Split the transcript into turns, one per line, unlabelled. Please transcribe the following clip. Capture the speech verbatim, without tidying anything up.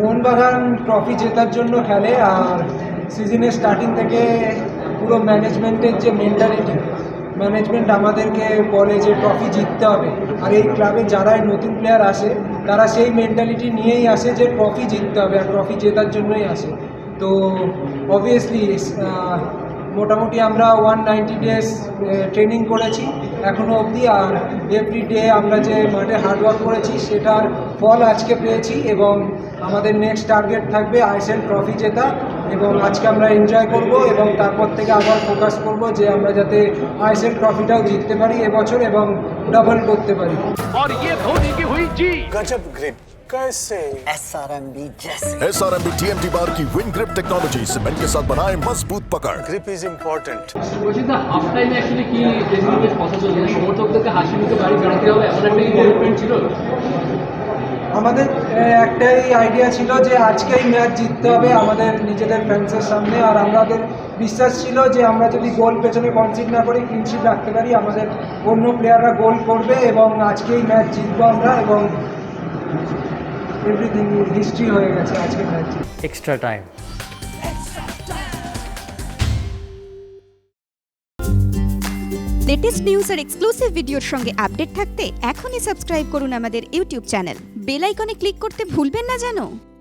Mohun Bagan trophy জেতার জন্য খেলে, আর সিজনের স্টার্টিং থেকে পুরো ম্যানেজমেন্টের যে মেন্টালিটি, ম্যানেজমেন্ট আমাদেরকে বলে যে ট্রফি জিততে হবে, আর এই ক্লাবে যারাই নতুন প্লেয়ার আসে তারা সেই মেন্টালিটি নিয়েই আসে যে ট্রফি জিততে হবে আর ট্রফি জেতার জন্যই আসে। তো অবভিয়াসলি মোটামুটি আমরা ওয়ান নাইনটি ডেজ ট্রেনিং করেছি এখনও অবধি, আর এভরি ডে আমরা যে মাঠে হার্ডওয়ার্ক করেছি সেটার ফল আজকে পেয়েছি, এবং আমাদের নেক্সট টার্গেট থাকবে আইএসএল ট্রফি জেতা, এবং আজকে আমরা এনজয় করব এবং তারপর থেকে আবার ফোকাস করব যে আমরা যাতে আইএসএল ট্রফিটাও জিততে পারি এবছর এবং ডাবল করতে পারি।
और ये धोनी की हुई जी
गजब ग्रिप कैसे
एसआरएमबी जैसे
एसआरएमबी टीएमटी बार की विन ग्रिप टेक्नोलॉजी सीमेंट के साथ बनाए मजबूत पकड़।
Grip is important.
বলছি দা হাফ টাইমে অ্যাকচুয়ালি কি ড্রেসিংরুমের কথা চলছে, সমর্থকদেরকে হাসি মুখে বাড়ি বেড়াতে হবে এমন একটা কমিটমেন্ট ছিল?
আমাদের একটাই আইডিয়া ছিল যে আজকেই ম্যাচ জিততে হবে আমাদের নিজেদের ফ্যান্সের সামনে, আর আমাদের বিশ্বাস ছিল যে আমরা যদি গোল পেছনে কনসিড না করি ক্লিনশিট রাখতে পারি, আমাদের অন্য প্লেয়াররা গোল করবে এবং আজকেই ম্যাচ জিতবো আমরা, এবং এভরিথিং হিস্ট্রি হয়ে গেছে আজকের match.
Extra time.
Latest news আর এক্সক্লুসিভ ভিডিওর সঙ্গে আপডেট থাকতে এখনই সাবস্ক্রাইব করুন আমাদের ইউটিউব চ্যানেল। বেল আইকনে ক্লিক করতে ভুলবেন না যেন।